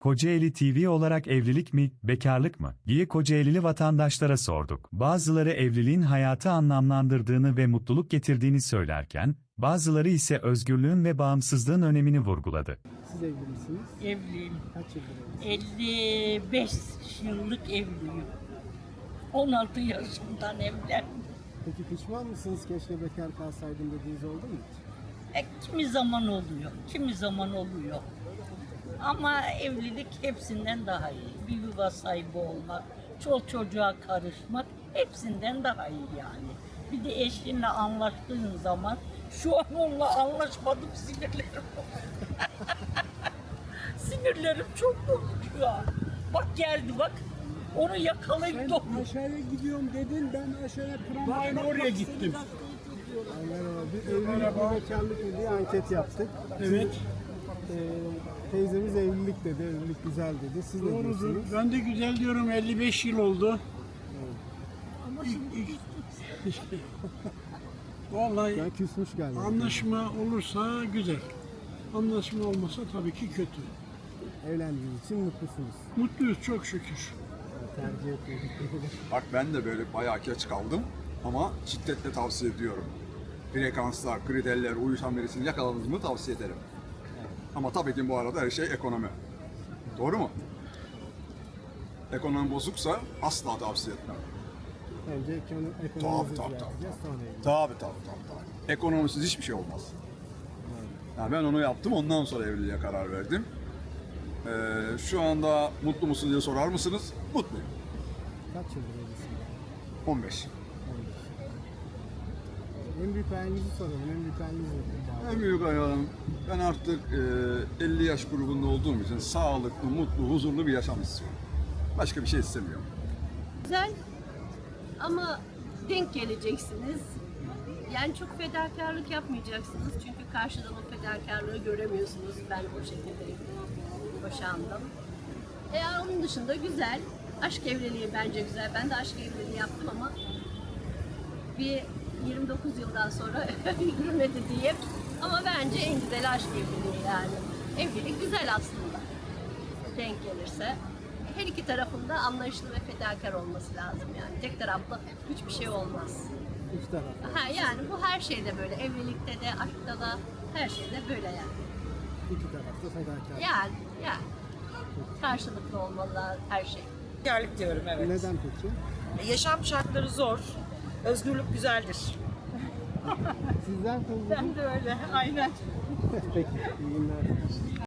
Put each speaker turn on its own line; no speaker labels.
Kocaeli TV olarak evlilik mi, bekarlık mı diye Kocaelili vatandaşlara sorduk. Bazıları evliliğin hayatı anlamlandırdığını ve mutluluk getirdiğini söylerken, bazıları ise özgürlüğün ve bağımsızlığın önemini vurguladı.
Siz evli misiniz?
Evliyim.
Kaç yıldır evlisiniz?
55 yıllık evliyim. 16 yaşımdan evlendim.
Peki pişman mısınız? Keşke bekar kalsaydım dediğiniz oldu mu hiç?
Kimi zaman oluyor, kimi zaman oluyor. Ama evlilik hepsinden daha iyi. Bir yuva sahibi olmak, çoluk çocuğa karışmak hepsinden daha iyi yani. Bir de eşinle anlaştığın zaman, şu an onunla anlaşmadım, sinirlerim bozuldu. Sinirlerim çok bozuk şu an. Bak geldi bak, onu yakalayıp toplu.
Aşağıya gidiyorum dedin, ben aşağıya tramvayla oraya gittim.
Merhaba. Bir evlilik mi bekarlık mı diye anket yaptık.
Evet.
Teyzemiz evlilik dedi, evlilik güzel dedi. Siz ne
Doğrudur.
diyorsunuz?
Ben de güzel diyorum, 55 yıl oldu. Vallahi
Yani küsmüş galiba.
anlaşma olursa güzel. Anlaşma olmasa tabii ki kötü.
Evlendiğiniz için mutlusunuz.
Mutluyuz çok şükür.
Tercih etmedik.
Bak ben de böyle bayağı geç kaldım ama şiddetle tavsiye ediyorum. Frekanslar, kriterler, uyuşan birisini yakaladınız mı tavsiye ederim. Ama tabii ki bu arada her şey ekonomi. Doğru mu? Ekonomi bozuksa asla tavsiye etmem.
Önce ekonomimizi
Tabii.
düzelteceğiz, sonra evlilik.
Tabii. Ekonomisiz hiçbir şey olmaz. Yani ben onu yaptım, ondan sonra evliliğe karar verdim. Şu anda mutlu musun diye sorar mısınız? Mutluyum.
Kaç yıldır evlisiniz?
15.
En büyük hayalinizi soralım. En büyük hayaliniz nedir?
En büyük hayalim, ben artık 50 yaş grubunda olduğum için sağlıklı, mutlu, huzurlu bir yaşam istiyorum. Başka bir şey istemiyorum.
Güzel ama denk geleceksiniz. Yani çok fedakarlık yapmayacaksınız çünkü karşıdan o fedakarlığı göremiyorsunuz. Ben o şekilde boşandım. Onun dışında güzel. Aşk evliliği bence güzel. Ben de aşk evliliği yaptım ama bir 29 yıldan sonra yürümedi diyeyim. Ama bence en güzel aşk evliliği yani. Evlilik güzel aslında. Denk gelirse. Her iki tarafında anlayışlı ve fedakar olması lazım yani. Tek taraflı hiçbir şey olmaz.
Üç tarafta.
Yani bu her şeyde böyle. Evlilikte de, aşkta da, her şeyde böyle yani.
İki tarafta fedakar.
Yani. Karşılıklı olmalı her şey.
Bekarlık diyorum, evet.
Neden peki?
Yaşam şartları zor. Özgürlük güzeldir.
Sizden
Ben de öyle, aynen.
Peki, iyi günler.